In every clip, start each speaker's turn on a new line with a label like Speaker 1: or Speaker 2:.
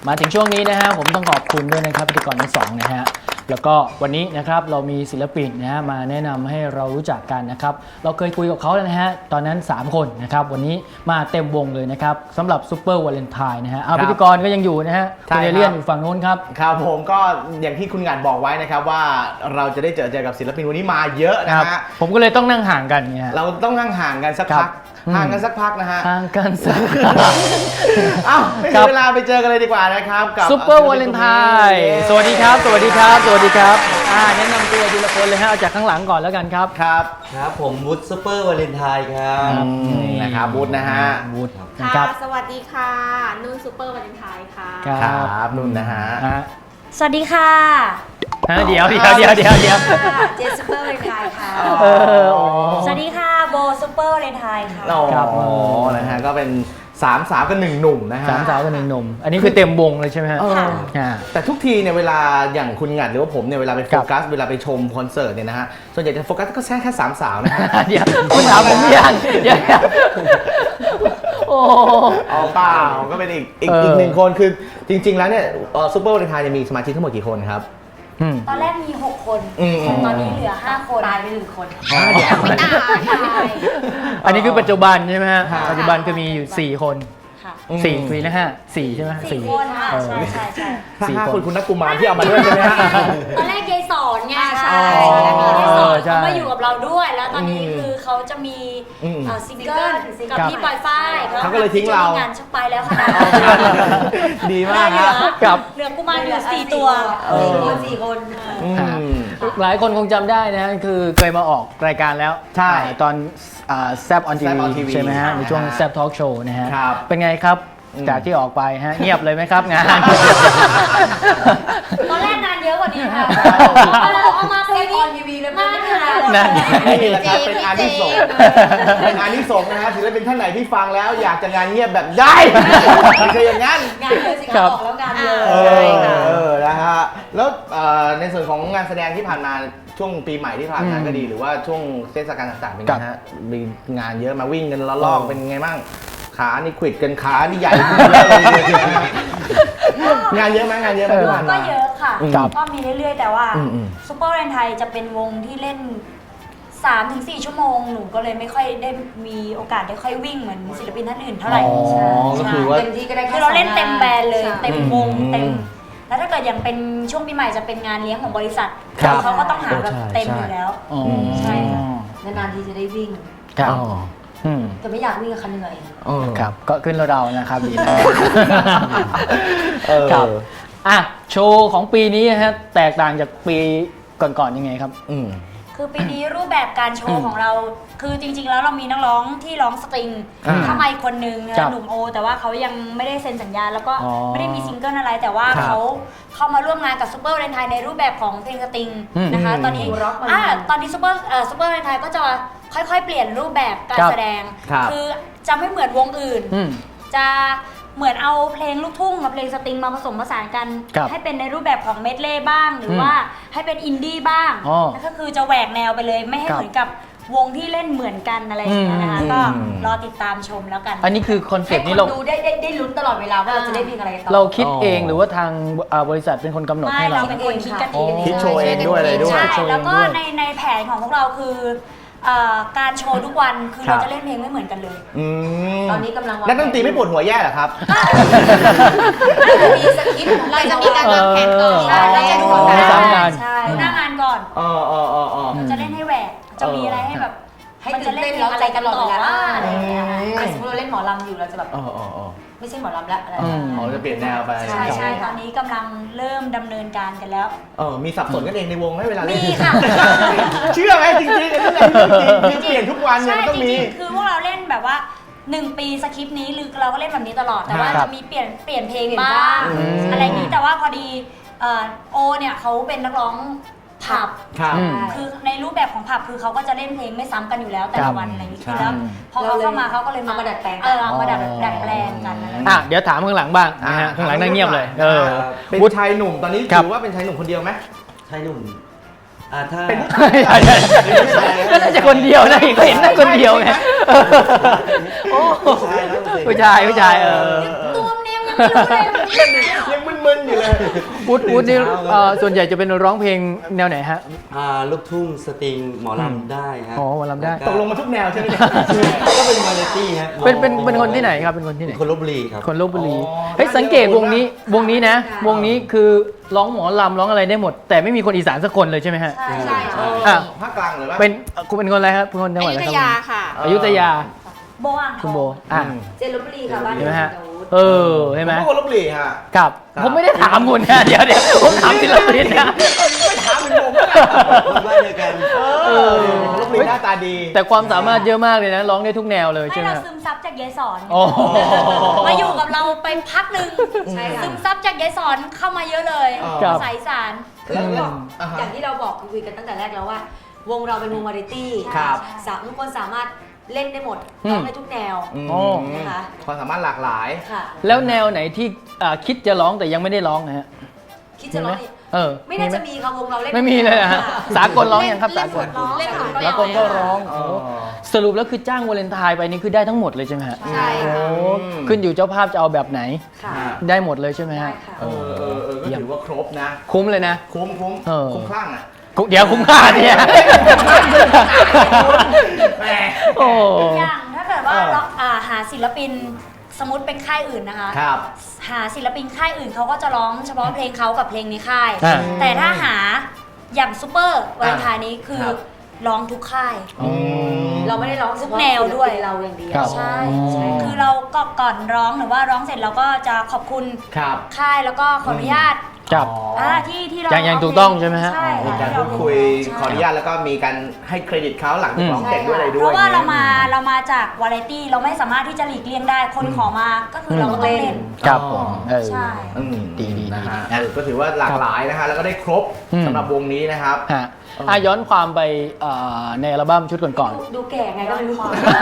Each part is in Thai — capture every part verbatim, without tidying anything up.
Speaker 1: มาถึงช่วงนี้นะฮะผมต้องขอบคุณด้วยนะครับพิธีกรทั้งสองนะฮะแล้วก็วันนี้นะครับเรามีศิลปินนะฮะมาแนะนำให้เรารู้จักกันนะครับเราเคยคุยกับเขาแล้วนะฮะตอนนั้นสามคนนะครับวันนี้มาเต็มวงเลยนะครับสำหรับซูเปอร์วาเลนไทน์นะฮะเอาพิธีกรก็ยังอยู่นะฮะคุณเอเลียนอยู่ฝั่งโน้นครับ
Speaker 2: ครับผมก็อย่างที่คุณงานบอกไว้นะครับว่าเราจะได้เจอเจอกับศิลปินวันนี้มาเยอะนะฮะ
Speaker 1: ผมก็เลยต้องนั่งห่างกันเนี่ย
Speaker 2: เราต้องนั่งห่างกันสักพักห่างกันสักพักนะฮะ
Speaker 1: ห่างกันสัก
Speaker 2: อ้าวไม่ถึงเวลาไปเจอกันเลยดีกว่านะครับกับ
Speaker 1: ซูเปอร์วาเลนไทน์สวัสดีครับสวัสดีครับสวัสดีครับอ่าแนะนำตัวทีละคนเลยฮะเอาจากข้างหลังก่อนแล้วกันครับ
Speaker 2: ครับ
Speaker 3: ครับผมวุฒิซูเปอร์วาเลนไทน์ครับ
Speaker 2: นะครับวุฒินะฮะ
Speaker 1: วุฒิ
Speaker 4: ค่ะสวัสดีค่ะนุ่นซูเปอร์วาเลนไทน์ค่ะ
Speaker 2: ครับนุ่นนะฮะ
Speaker 5: สวัสดีค่ะ
Speaker 1: เดี๋ยวเดี๋ยวเดี๋ยวเดี๋ยวเดี๋ยว
Speaker 5: เจสซูเปอร์วาเลนไทน์ค่ะสวัสดีค่ะโบซูเปอร์วาเลนไทน์ค่ะ
Speaker 2: ครับโอ้นะฮะก็เป็นสามสาวกับหนึ่งหนุ่มนะฮะ
Speaker 1: สามสาวกับหนึ่งหนุ่มอันนี้คือเต็มวงเลยใช่ไหมฮะ
Speaker 2: แต่ทุกทีเนี่ยเวลาอย่างคุณงัดหรือว่าผมเนี่ยเวลาไปโฟกัสเวลาไปชมคอนเสิร์ตเนี่ยนะฮะส่วนใหญ่จะโฟกัสก็แค่แค่สามสาวนะฮะ
Speaker 1: เดี๋ยวคุณถามผมยังเดี๋ยวโอ้
Speaker 2: เอาเปล่าก็เป็นอีกอีกอีกหนึ่งคนคือจริงๆแล้วเนี่ยซูเปอร์วาเลนไทน์จะมีสมาชิกทั้งหมดกี่คนครับ
Speaker 5: ตอนแรกมีหกคนตอนนี้เหลือห้าคนตายไปหนึ่งคน
Speaker 1: อันนี้คือปัจจุบันใช่ไหมฮะปัจจุบันก็มีอยู่สี่คนสี่ปีนะฮะสี่ใช่ไหม
Speaker 5: สี่คนค่ะใช่ใช่ใช่
Speaker 2: สี่คนคุณนักกุมารที่เอามาด้วยใช่ไหมฮะ
Speaker 5: ตอนแรกยายสอนไงใช่ยายสอนเขามาอยู่กับเราด้วยแล้วตอนนี้คือเขาจะมีซิงเกิลกับพี่ปอยฝ้าย
Speaker 2: เขาก็เลยทิ้งเรา
Speaker 5: งานชักไปแล้วค่ะ
Speaker 2: ดีมาก
Speaker 1: ครับ
Speaker 5: เหลือกุมารอยู่สี่ตัวสี่คนสี่คน
Speaker 1: หลายคนคงจำได้นะคือเคยมาออกรายการแล้ว
Speaker 2: ใช่
Speaker 1: ตอนแซบออนทีวีใช่ไหมฮะในช่วงแซบทอล์กโชว์นะฮะเป็นไงครับจากที่ออกไปฮะเงียบเลยไหมครับงาน
Speaker 5: ตอนแรกงานเยอะกว่านี้ค่ะเอามาเคยออนทีวีเลยมากค่ะ
Speaker 1: นั่น
Speaker 2: นี่แหละครับเป็นอานิสงส์เป็นอานิสงส์นะฮะศิลปินท่านไหนที่ฟังแล้วอยากจะงานเงียบแบบได้ไม่ใช่อย่างนั้น
Speaker 5: งานเยอะสิครับแล้วงานเยอะ
Speaker 2: ใช่ค่ะเออนะฮะแล้วในส่วนของงานแสดงที่ผ่านมาช่วงปีใหม่ที่ผ่านมาก็ดีหรือว่าช่วงเทศกาลต่างๆเป็นไงฮะมีงานเยอะมาวิ่งกันละลอกเป็นไงบ้างขานี่ขวิดกันขานี่ใหญ่งานเยอะไหมงานเยอะไหมที่ผ่านมา
Speaker 5: ก็เยอะค่ะก็มีเรื่อยๆแต่ว่าซูเปอร์วาเลนไทน์จะเป็นวงที่เล่น สามถึงสี่ ชั่วโมงหนูก็เลยไม่ค่อยได้มีโอกาสได้ค่อยวิ่งเหมือนศิลปินท่านอื่นเท่าไหร่
Speaker 2: ใช่ก็คือว่า
Speaker 5: เต็มที่ก็ได้คือเราเล่นเต็มแบนเลยเต็มวงเต็มแล้วถ้าเกิดอย่างเป็นช่วงปีใหม่จะเป็นงานเลี้ยงของบริษัทเขาก็ต้องหาแบบเต็มอยู่แล้วใช่ค่ะนานๆทีจะได้วิ่งแต่ไม่อยากวิ่งกับคันเหนื่อย
Speaker 1: ครับก็ขึ้นเรานะครับดีนะครับอ่ะโชว์ของปีนี้ฮะแตกต่างจากปีก่อนๆยังไงครับ
Speaker 5: คือปีนี้รูปแบบการโชว์ของเราคือจริงๆแล้วเรามีนักร้องที่ร้องสตริงเข้ามาอีกคนนึงหนุ่มโอแต่ว่าเขายังไม่ได้เซ็นสัญญาแล้วก็ไม่ได้มีซิงเกิลอะไรแต่ว่าเขาเข้ามาร่วมงานกับซูเปอร์วาเลนไทน์ในรูปแบบของเพลงสตริงนะคะตอนนี้อ่าตอนนี้ซูเปอร์ซูเปอร์วาเลนไทน์ก็จะค่อยๆเปลี่ยนรูปแบบการแสดงคือจะไม่เหมือนวงอื่นจะเหมือนเอาเพลงลูกทุ่งกับเพลงสตริงมาผสมผสานกันให้เป็นในรูปแบบของเมดเล่บ้างหรือว่าให้เป็นอินดี้บ้างแล้วก็คือจะแหวกแนวไปเลยไม่ให้เหมือนกับวงที่เล่นเหมือนกันอะไรอย่างเงี้ยนะคะก็รอติดตามชมแล้วกัน
Speaker 1: อันนี้คือคอนเซ็ปต์นี้เรา
Speaker 5: ดูได้ได้ได้ลุ้นตลอดเวลาว่าเราจะได้เพลงอะไรต่อ
Speaker 1: เราคิดเองหรือว่าทางบริษัทเป็นคนกำหนดให้เรา
Speaker 5: เราเป็นคนคิดกันเอง
Speaker 2: คิดโชว์เองด้วยอะไรด้วย
Speaker 5: ใช่แล้วก็ในในแผนของพวกเราคือการโชว์ทุกวันคือเราจะเล่นเพลงไม่เหมือนกันเลยตอนนี้กำลัง
Speaker 2: นักดนตรีไม่ปวดหัวแย่เหรอครับ
Speaker 5: เราจะมีสคริปต์เราจะมีการวางแผนก่อนใช่เราจะดูหน้างานใช่ดูหน้างานก่อน
Speaker 2: อ๋ออ๋ออ๋อ
Speaker 5: เราจะเล่นให้แหวกจะมีอะไรให้แบบมันจะเล่นแล้วใจกันต่อว่าอะไรอย่างเงี้ยสมมติเราเล่นหมอลำอยู่เราจะแบบไม่ใช่หมอลำแล้วอะไร
Speaker 2: อ๋อจะเปลี่ยนแนวไป
Speaker 5: ใช่ใช่ตอนนี้กำลังเริ่มดำเนินการกันแล้ว
Speaker 2: เออมีสับสนกันเองในวงไหมเวลาเล่น
Speaker 5: มีค่ะ
Speaker 2: เชื่อไหมจริงๆจริงๆเปลี่ยนทุกวันเนี่ยต้องมี
Speaker 5: คือพวกเราเล่นแบบว่าหนึ่งปีสคริปต์นี้หรือเราก็เล่นแบบนี้ตลอดแต่ว่าจะมีเปลี่ยนเปลี่ยนเพลงบ้างอะไรนี้แต่ว่าพอดีโอเนี่ยเขาเป็นนักร้องผับคือในรูปแบบของผับคือเขาก็จะเล่นเพลงไม่ซ้ำกันอยู่แล้วแต่ละวันอะไรอย่างนี้แล้วพอเขาเข้ามาเขาก็เลยมาดัดแปลงเออมาดัดดัดแปลงกัน
Speaker 1: อ่ะเดี๋ยวถามข้างหลังบ้างนะฮะข้างหลังนั่งเงียบเลยเออ
Speaker 2: เป็นชายหนุ่มตอนนี้ถือว่าเป็นชายหนุ่มคนเดียวไหม
Speaker 3: ชายหนุ่มอ่าถ้า
Speaker 2: เป็น
Speaker 1: น่าจะคนเดียวนะเห็นน่าคนเดียวไงโอ้ผู้ชายผู้ชายเออ
Speaker 5: ตัวเนี้ยยังไม่รู้เลย
Speaker 2: ยังมึนอยู่เลย
Speaker 1: วุฒิวุฒินี่เอ่อส่วนใหญ่จะเป็นร้องเพลงแนวไหนฮะ
Speaker 3: อ่าลูกทุ่งสตริงหมอลำได้ฮะ
Speaker 1: อ๋อหมอลำได้
Speaker 3: แว
Speaker 2: ตกลงมาทุกแนวใช่ไหมเนี่ย
Speaker 3: ก็เป็นวาไรตี้ฮะ
Speaker 1: เป็นเป็นเป็นคนที่ไหนครับเป็นคนที่ไหน
Speaker 3: เป็นคนลบบุรีครับ
Speaker 1: คนลบบุรี
Speaker 2: อ๋อ
Speaker 1: เฮ้ยสังเกตวงนี้วงนี้นะ วงนี้คือร้องหมอลำร้องอะไรได้หมด แต่ไม่มีคนอีสานสักคนเลยใช่ไหมฮะ
Speaker 5: ใช่
Speaker 4: ใช่ใช่
Speaker 1: อ่ะ
Speaker 2: ภาคกลางหรือว่า
Speaker 1: เป็นเอ่อคุณเป็นคนอะไรครับเป็นคนจังหวัด
Speaker 4: อ
Speaker 1: อะไร
Speaker 4: ยุธ
Speaker 1: ค
Speaker 4: ยา
Speaker 1: รับ
Speaker 4: ค่ะ
Speaker 1: อยุธยา
Speaker 5: โบอ่างท
Speaker 1: คุณ
Speaker 5: อง
Speaker 1: โบอ่ะ
Speaker 5: เจนลบบุรีค่ะบ้าน
Speaker 1: เห็นไหมฮะ
Speaker 5: เดี๋ยว
Speaker 1: เออเห็นไหม
Speaker 2: ผมก็คนลบบุรีฮะ
Speaker 1: ครับ
Speaker 2: ครับ
Speaker 1: ผมไม่ได้ถามคุณนะเดี๋ยวเดี๋ยวผมถามศิลปินนะ
Speaker 2: ไม่ถามเป็นผมก็ได้
Speaker 3: บ้านเดียวกัน
Speaker 2: เออคนลบบุรีหน้าตาดี
Speaker 1: แต่ความสามารถเยอะมากเลยนะร้องได้ทุกแนวเลย
Speaker 5: ให้
Speaker 1: ใช่ไหม
Speaker 5: เรา
Speaker 1: ฮะ
Speaker 5: ซึมซับจากยายสอน
Speaker 1: โอ้โห
Speaker 5: มาอยู่กับเราไปพักหนึ่ง
Speaker 4: ใช่ค่ะ
Speaker 5: ซึมซับจากยายสอนเข้ามาเยอะเลย
Speaker 2: ครับ
Speaker 5: ภาษาอีสาน
Speaker 2: แล้วแล้วอ่า
Speaker 6: อ
Speaker 2: ฮะ
Speaker 6: ย่างที่เราบอกคุยกันตั้งแต่แรกแล้วว่า วงเราเป็นวงวาไรตี้
Speaker 2: ครับ
Speaker 6: สามทุกคนสามารถเล่นได้หมด
Speaker 1: อืม
Speaker 6: ร้องได้ทุกแนว
Speaker 2: อืม
Speaker 1: โอ้
Speaker 6: นะคะ
Speaker 2: ความสามารถหลากหลาย
Speaker 6: ค่ะ
Speaker 1: แล้วแนวไหนที่อ่าคิดจะร้องแต่ยังไม่ได้ร้องนะฮะ
Speaker 6: คิดจะร้อง
Speaker 1: มีไหม
Speaker 6: อีก
Speaker 1: เออ
Speaker 6: ไม่น่าจะ
Speaker 1: ห
Speaker 6: มีค่ะวงเราเล่น
Speaker 1: ไม่มีเลยอะฮะสากลร้องยังครับ
Speaker 4: เล่
Speaker 1: สาน ก
Speaker 4: หม
Speaker 1: ล
Speaker 4: ดร้องเล่นหมด
Speaker 1: สากลก็ร้อง
Speaker 2: อ๋อ
Speaker 1: สรุปแล้วคือจ้างวาเลนไทน์ไปนี่คือได้ทั้งหมดเลยใช่ไหมฮะ
Speaker 4: ใช่ค่ะ
Speaker 1: โอ้ขึ้นอยู่เจ้าภาพจะเอาแบบไหน
Speaker 6: ค่ะ
Speaker 1: ได้หมดเลยใช่ไหม
Speaker 6: ได้
Speaker 1: ฮะ
Speaker 6: ค่ะ
Speaker 2: เออเออเออก็ถือว่าครบนะ
Speaker 1: คุ้มเลยนะ
Speaker 2: คุ้มคุ้ม
Speaker 1: เออ
Speaker 2: คุ้มคลั่งอ่ะ
Speaker 1: คุ้มเดี๋ยวคุ้มค่าเนี่ย
Speaker 2: แหม
Speaker 1: โอ้
Speaker 5: อย่างถ้าเกิดว่า
Speaker 2: เออ
Speaker 5: เราอ่าหาศิลปินสมมติเป็นค่ายอื่นนะคะ
Speaker 2: ครับ
Speaker 5: หาศิลปินค่ายอื่นเขาก็จะร้องเฉพาะเพลงเขากับเพลงในค่าย
Speaker 1: อ่า
Speaker 5: แต่ถ้าหาอย่างซูเปอร์วาเลนไทน์นี้คือ
Speaker 2: ครับ
Speaker 5: ร้องทุกค่าย
Speaker 1: อืม
Speaker 6: เราไม่ได้ร้องเฉพาะ
Speaker 5: แนวด้วย
Speaker 6: ศิลปินเราอย่างเดียว
Speaker 1: ครับ
Speaker 5: ใช่
Speaker 1: อ๋อ
Speaker 5: คือเราก็ก่อนร้องหรือว่าร้องเสร็จเราก็จะขอบคุณ
Speaker 2: ครับ
Speaker 5: ค่ายแล้วก็ขออนุญาต
Speaker 1: ครับ
Speaker 2: อ๋อ
Speaker 5: อ่าที่ที่เรา
Speaker 1: อย่างอย่างถูกต้องใช่ไหมฮะ
Speaker 5: ใช่
Speaker 2: มี
Speaker 5: ค่ะ
Speaker 2: การพูดคุยขออนุญาตแล้วก็มีการให้เครดิตเขาหลังจากร้องเสร็จด้วยอะไรด้วย
Speaker 5: เพราะว่าเรามา
Speaker 2: อย่งงี้ย
Speaker 5: เรามาจากวาไรตี้เราไม่สามารถที่จะหลีกเลี่ยงได้คนขอมาก็คือเราก็ต้องเล่น
Speaker 1: ครับผมเออ
Speaker 5: ใช่
Speaker 2: อืม
Speaker 1: ดีดี
Speaker 2: นะฮะ
Speaker 1: ดีนะ
Speaker 2: เออก็ถือว่าหลากหลายนะฮะแล้วก็ได้ครบ
Speaker 1: อืม
Speaker 2: สำหรับวงนี้นะครับ
Speaker 1: ฮะอ่ะย้อนความไปเอ่อในอัลบั้มชุดก่อน
Speaker 6: ดูดูแก่ไงก็ไม่รู้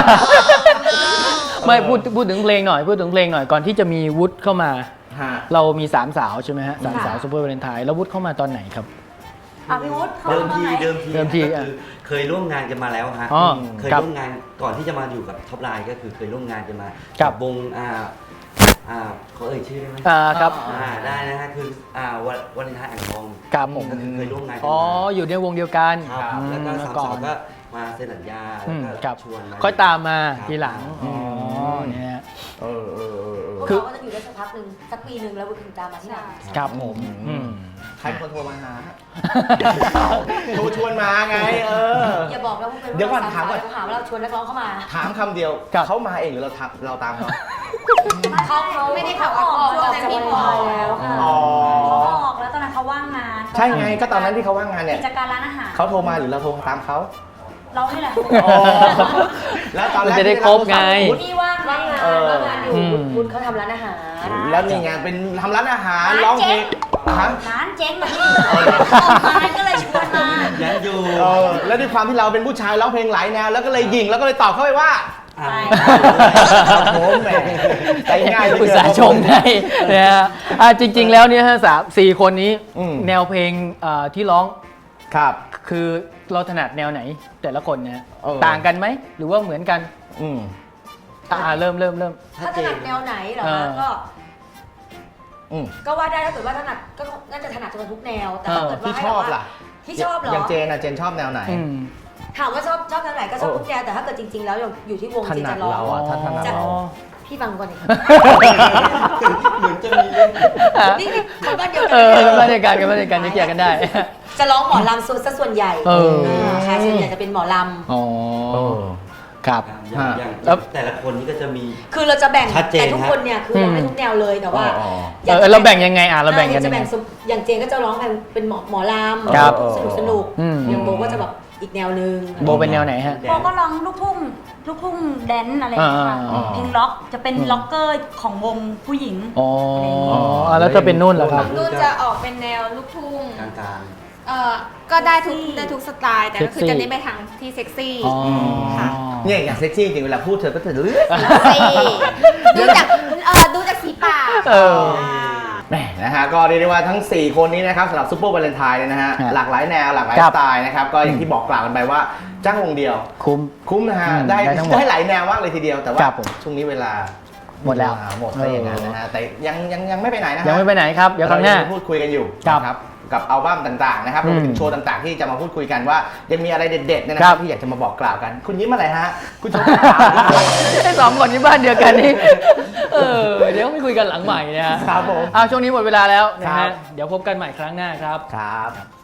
Speaker 1: ๆ ไม่พูดพูดถึงเพลงหน่อยพูดถึงเพลงหน่อยก่อนที่จะมีวุฒิเข้ามา
Speaker 2: ฮะ
Speaker 1: เรามีสามสาวใช่ไหมฮะสาม
Speaker 6: ค่ะ
Speaker 1: สาวซูเปอร์วาเลนไทน์แล้ววุฒิเข้ามาตอนไหนครับ
Speaker 5: อ่ะพี่วุฒิเข้า
Speaker 3: เดิม
Speaker 5: มาตอน
Speaker 3: ที
Speaker 5: ไหน
Speaker 3: เดิมที
Speaker 1: เดิมที
Speaker 3: ก็คือเคยร่วมงานกันมาแล้วฮะ
Speaker 1: อ๋อ
Speaker 3: เคย
Speaker 1: ครับ
Speaker 3: ร่วมงานก่อนที่จะมาอยู่กับท็อปไลน์ก็คือเคยร่วมงานกันมา
Speaker 1: ครับ
Speaker 3: วงอ่าอ่าเขาเอ่ยชื่อได้ไหม
Speaker 1: อ่าครับ
Speaker 3: อ่าได้นะฮะคืออ่าวันวันเลนไทน์อ่างทอง
Speaker 1: ครับผม
Speaker 3: ก็คือเคยร่วมงานกัน
Speaker 1: อ๋อ
Speaker 3: มา
Speaker 1: อยู่ในวงเดียวกัน
Speaker 3: ครับ
Speaker 1: อืม
Speaker 3: แล้วก็
Speaker 1: เมื่
Speaker 3: สา
Speaker 1: อ
Speaker 3: ม
Speaker 1: ก่อ
Speaker 3: สาวน ก็มาเซ็นสัญญา
Speaker 1: อื
Speaker 3: แล้ว
Speaker 1: ม
Speaker 3: ก็
Speaker 1: ครับ
Speaker 3: ชวนมา
Speaker 1: ค่อยตามมา
Speaker 3: ครับ
Speaker 1: ทีหลัง
Speaker 2: อื
Speaker 1: อ๋อ
Speaker 2: ม
Speaker 1: เนี่ยฮะ
Speaker 2: เออเออเออเออ
Speaker 6: พวก
Speaker 1: คือ
Speaker 6: เราก็จะอยู่ได้สักพักหนึ่งสักปีหนึ่งแล้วถึงตามมาที่ไหน
Speaker 1: ครับผม
Speaker 2: อืม
Speaker 1: อืม
Speaker 2: ใครเป็นคนโทรมาหาฮะโทรชวนมาไง เออ
Speaker 6: อย่าบอกแล้วว่าเป็น
Speaker 2: เดี๋ยวก่อน
Speaker 6: รส
Speaker 2: ถามก่อน
Speaker 6: เขาหาว่าเราชวนนักร้องเข้ามา
Speaker 2: ถามคำเดียว
Speaker 1: ครับ
Speaker 2: เขามาเองหรือเราทักเราตามเขา
Speaker 6: เขาเขา
Speaker 4: ไม่ได้ขับออก
Speaker 6: ช่วงนั้นพี่พอแล้วค่ะ
Speaker 2: อ๋อ
Speaker 5: เขาออกแล้วตอนนั้นเขาว่างงาน
Speaker 2: ใช่ไงก็ตอนนั้นที่เขาว่างงานเนี่ย
Speaker 5: กิจการร้านอาหาร
Speaker 2: เขาโทรมาหรือเราโทรตามเขา
Speaker 5: เรานี่แหละ
Speaker 2: อ๋อแล้วตอนแรก
Speaker 1: มันจะได้ครบไง
Speaker 2: ที่เราโทรศัพท์
Speaker 5: พี่ว่าง
Speaker 6: ว่างงาน
Speaker 2: เออ
Speaker 6: ว่างงานอยู่
Speaker 1: อืม
Speaker 6: คุณเขาทำร้านอาหาร
Speaker 2: แล้วนี่ไงเป็นทำร้านอาหาร
Speaker 5: ร้าน
Speaker 2: ร้องเพล
Speaker 5: เจ๊
Speaker 2: ง
Speaker 5: ง
Speaker 2: ฮะ
Speaker 5: ร้านเจ๊งแบบนี้ออกมาก็เลยชวนมา
Speaker 3: ยังอยู่
Speaker 2: เออแล้วด้วยความที่เราเป็นผู้ชายร้องเพลงหลายแนวแล้วก็เลยยิงแล้วก็เลยตอบเข้าไปว่า
Speaker 3: อ่า
Speaker 2: ครับผมแหมใจง่ายเหลือ
Speaker 1: อุต
Speaker 2: เกิน
Speaker 1: ส่าห์ชมให้นะฮะอ่ะจริง ๆ แล้วเนี่ยฮะสามสี่คนนี้
Speaker 2: อืม
Speaker 1: แนวเพลงเอ่อที่ร้อง
Speaker 2: ครับ
Speaker 1: คือเราถนัดแนวไหน แต่ละคนเนี่ย
Speaker 2: เออ
Speaker 1: ต่างกันไหมหรือว่าเหมือนกัน
Speaker 2: อืม
Speaker 1: อ่าเริ่มเริ่มเริ่ม
Speaker 6: ถ้าถนัดแนวไหนเหรอ
Speaker 1: เอ
Speaker 6: คะ
Speaker 1: อ
Speaker 6: ก็
Speaker 2: อืม
Speaker 6: ก็ว่าได้ถ้าเกิดว่าถนัดก็น่าจะถนัดทุกแนว แต่ถ้าเกิดว่า
Speaker 2: ที่
Speaker 6: ให้
Speaker 2: ชอบ
Speaker 6: แบบว่า
Speaker 2: ล่ะ
Speaker 6: ที่ชอบเหรอ
Speaker 2: อย่างเจนอะเจนชอบแนวไหน
Speaker 1: อืม
Speaker 6: ถามว่าชอบชอบแนวไหนก็ชอบ
Speaker 2: เออ
Speaker 6: ทุกแนวแต่ถ้าเกิดจริง ๆ แล้วอยู่ที่วง
Speaker 2: ถ
Speaker 6: จริง
Speaker 2: นัด
Speaker 6: จะร้อง
Speaker 2: เราอะถ้าถนัด
Speaker 6: จะ
Speaker 2: เรา
Speaker 6: พี่ฟังก่อนดิ
Speaker 3: เหมือนจะมีเรื่อง
Speaker 6: นี่นี่คนบ้านเดียวกั
Speaker 1: เออกันบ้านเดียวกันกันบ้านเดียวกันจะแยกกันได้
Speaker 6: จะร้องหมอลำส่วนซะส่วนใหญ่
Speaker 1: เออ
Speaker 6: ค่ะส่วนใหญ่จะเป็นหมอล
Speaker 1: อ๋อ
Speaker 2: เออ
Speaker 1: ครับ
Speaker 3: อย่างอย่าง
Speaker 1: แล้ว
Speaker 3: แต่ละคนนี่ก็จะมี
Speaker 6: ำคือเราจะแบ่ง
Speaker 3: ชัดเจน
Speaker 6: แต่ทุกคนเนี่ยคือร้องได้ทุกแนวเลยแต่ว่า
Speaker 2: อ๋อ
Speaker 1: เออเราแบ่งยังไงอ่ะเราแบ่งกัน
Speaker 6: จะ
Speaker 1: ยังไง
Speaker 6: แบ่งสมอย่างเจนก็จะร้องเป็นเป็นหมอหมอลำ
Speaker 1: ครับ
Speaker 6: สนุกสนุก
Speaker 1: อืม
Speaker 6: อย่างโบก็จะแบบอีกแนวนึง
Speaker 1: โบเป็นแนวไหนฮะ
Speaker 5: โบก็ร้องลูกทุ่งลูกทุ่งแดนซ์อะไรอย่างเงี้ยค่ะ
Speaker 1: อ่า
Speaker 5: เพลงล็อกจะเป็น
Speaker 1: อืม
Speaker 5: ล็อกเกอร์ของวงผู้หญิง
Speaker 1: อ๋ออ่ะแล้วถ้าเป็นนุ่นล่ะครับ
Speaker 4: นุ่นจะออกเป็นแนวลูกทุ่ง
Speaker 3: กลาง
Speaker 4: เอ่อ ก็ได้ทุกได้ทุกสไตล์ แต่ก็คือ
Speaker 1: เซ็กซี่
Speaker 4: จะเน้นไปทางที่เซ็กซี่
Speaker 1: อ๋อ
Speaker 4: ค่ะ
Speaker 2: เนี่ยอย่างเซ็กซี่จริงเวลาพูดเธอก็จะเลือก
Speaker 4: เซ็กซี่ดูจากเอ่อดูจากสีปาก
Speaker 1: เออ
Speaker 2: แหมนะฮะก็เรียกได้ว่าทั้ง สี่ คนนี้นะครับสำหรับซูเปอร์วาเลนไทน์เนี่ยนะฮะ
Speaker 1: ฮะ
Speaker 2: หลากหลายแนวหลากหลาย
Speaker 1: ครั
Speaker 2: ส
Speaker 1: บ
Speaker 2: ไตล์นะครับก็อย่างที่บอกกล่าวกันไปว่าจ้างวงเดียว
Speaker 1: คุ้ม
Speaker 2: คุ้มนะฮะ
Speaker 1: อืม
Speaker 2: ได้
Speaker 1: ได้ทั้งหมด
Speaker 2: ได้หลายแนวมากเลยทีเดียวแต่ว่า
Speaker 1: ครับผม
Speaker 2: ช่วงนี้เวลา
Speaker 1: หมดแล้ว
Speaker 2: อ่าหมดซะอย่างนั้นนะฮะแต่ยังยังยังไม่ไปไหนนะฮะ
Speaker 1: ยังไม่ไปไหนครับเดี๋ยวครั้งหน้า
Speaker 2: เพูดคุยกันอยู่
Speaker 1: ครับ
Speaker 2: นะครับกับอัลบั้มต่างๆนะครับรวมไปถึ
Speaker 1: อื
Speaker 2: ง
Speaker 1: ม
Speaker 2: โชว์ต่างๆ ที่จะมาพูดคุยกันว่ายังมีอะไรเด็ดๆเนี่ยนะ
Speaker 1: ค
Speaker 2: ค
Speaker 1: รั
Speaker 2: รั
Speaker 1: บบ
Speaker 2: ที่อยากจะมาบอกกล่าวกัน คุณยิ้มอะไรฮะคุณโชว์ขาว
Speaker 1: ไอ้สองคนที่บ้านเดียวกันนี่ เออเดี๋ยวไม่คุยกันหลังใหม่นะฮะ
Speaker 2: ครับผม
Speaker 1: เอาช่วงนี้หมดเวลาแล้วนะ
Speaker 2: ครั
Speaker 1: ฮะ
Speaker 2: บ
Speaker 1: เดี๋ยวพบกันใหม่ครั้งหน้าครับ
Speaker 2: ครับ